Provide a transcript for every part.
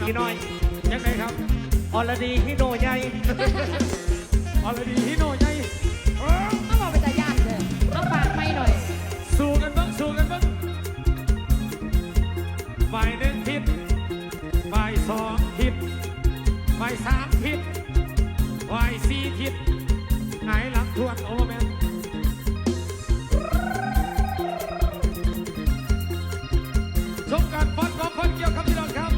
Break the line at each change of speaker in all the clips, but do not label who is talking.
พี่น้อย
ยังไงครับ
อรดีฮิโนใหญ่
อรดีฮิโนใหญ่
เอาบอกเป็นตาญาติเลยเอาปากไม่หน่อย
สู้กันบ้างสู้กันบ้างฝ่ายหนึ่งทิศฝ่ายสองทิศฝ่ายสามทิศฝ่ายสี่ทิศไหนหลังทวนโอแมนชมการฟันของคนเกี่ยวกับพี่น้องครับ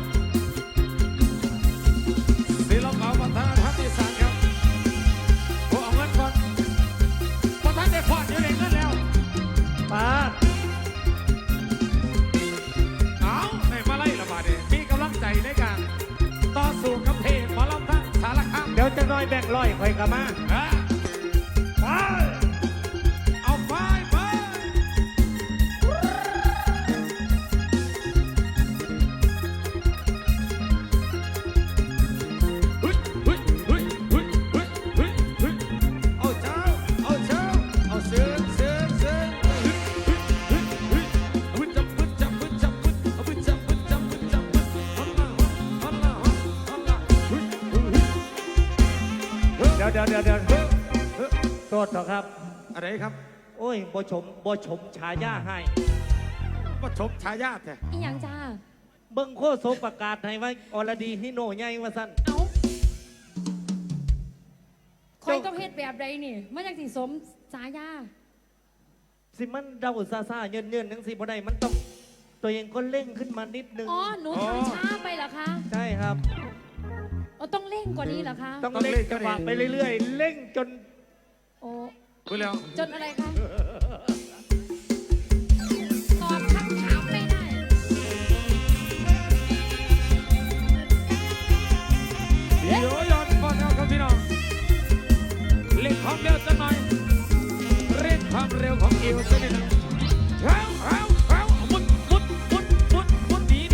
ศิลปะวัฒนธรรมอีสานครับพวกเอาเงินก่อนพอท่านได้พอดอยู่ในเงินแล้ว
ป้า
เอาในมาไล่ละบาดเนี่ยมีกำลังใจในการต่อสู้กับเพลงหมอลำทั้งสารคาม
เดี๋ยวจะน้อยแบ่งร้อยคอยกลับมา
ไปเอาไปไปเอาเจ้าเอาเจ้าเอาเสือเสือเสือพึ่งจับพึ่งจับพึ่งจับพึ่งเอาพึ่งจับพึ่งจับพึ่งจับพึ่งฮัลโหลฮัลโหลฮัลโหล
เดี๋ยวโทษเถอะครับ
อะไรครับ
โอ้ยบ่ชมฉายาให้
ว่าชมฉายาแท้
อีหยังจ้า
เบิ้งโคโซประกาศให้ว่าอรดีฮิโนใหญ่ว่าสั้น
เอาคอยต้องเฮ็ดแบบใดนี่มันยังสิสมสายา
สิมันเดาซ่าเยินทั้งสิบ่ได้มันต้องตัวเองก็เร่งขึ้นมานิดนึง
อ๋อหนูทำช้าไปเหรอคะ
ใช่ครับ
ต้องเร่งกว่านี้เหรอคะ
ต้องเร่งจังหวะไปเรื่อยๆเร่งจน
โอ้
พูดแล้ว
จนอะไรคะตอบคำถามไม่ได้
เดี๋ยวย้อนก่อนนะครับพี่น้องเร่งความเร็วสักหน่อยเร่งความเร็วของเอวสักนิดนึงมุดหนี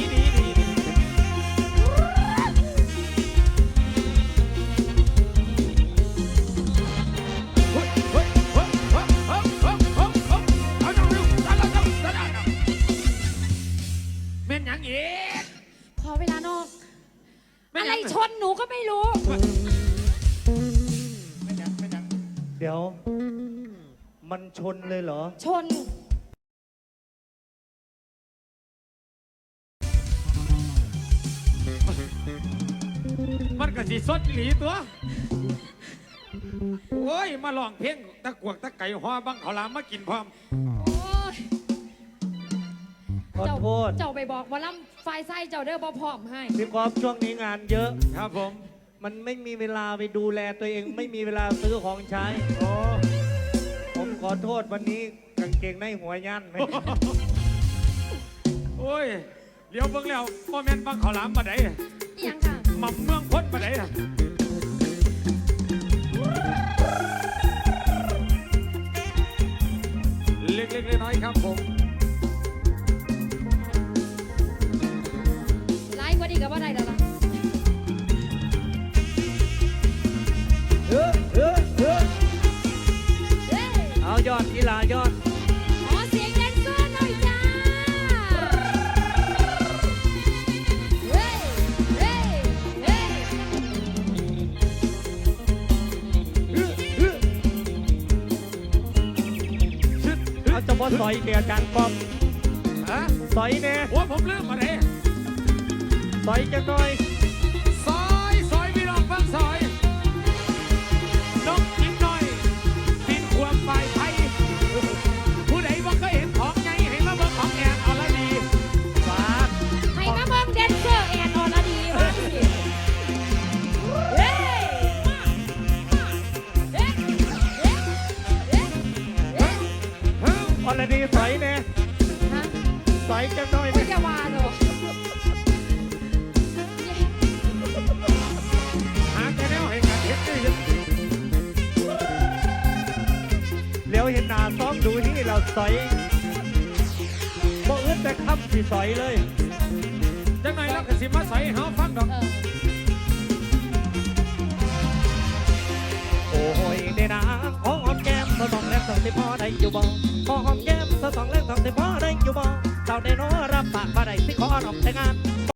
เม่นยังอีก
ขอเวลานอกอะไรชนหนูก็ไม่รู้
เดี๋ยวมันชนเลยเหรอ
ชน
มันก็สิสดหลีตัวโอ้ยมาลองเพลงตะกวกตะไก่หัวบังเขาลามมากินพร้อม
ขอโทษ
เจ้าไปบอกว่าล่ำไฟไส้เจ้าเด้อบ่พร้อมให้
พี่กอล์ฟช่วงนี้งานเยอะ
ครับผม
มันไม่มีเวลาไปดูแลตัวเองไม่มีเวลาซื้อของใช้ผมขอโทษวันนี้กางเกงในหัวยันไหม
โอ้ยเดี๋ยวเบิ่งแล้วโมเมนต์บังเขาลามมาไหน
ยังค่ะ
หม่ำเมืองพ้นมาไหนเล็กๆน้อยๆครับผม
ไล่กว่าดีกับว่าได้แล้วล่ะ
เอายอดกีฬายอด
ขอเสียงแดนเซอร์หน่อยจ้า
เอาจะมาสอยเดียกันป้อมสอยเนี่ย
ว่าผมลืมมาเลย
สอยจะหน่อย
ซอยพี่น้องฟังซอยน้องจิ้มหน่อยปินขวบฝ่ายไทยผู้ใดว่าเคยเห็นของไงให้มาเบิ่งของแอนอรดี
ฝาก
ให้มาเบิ่งแดนเซอร์แอนอรดีบ้างสิ
อรดีสอยเนี่ยสอยจะหน่อย
ไม่จะว่าหรอก
เลี้ยวเห็นหน้าซ้อมดูที่เราสอยบ่อึดแต่คำที่สอยเลย
จังไหนแล้วก็สิมาใส่เฮาฟังดอก
โอ้ยเดนะขอหอมแก้มสองแรกสองที่พอได้อยู่บ่ขอหอมแก้มสองแรกสองที่พอได้อยู่บ่เจ้าเดโนรับปากมาได้สิขอน้องแต่งงาน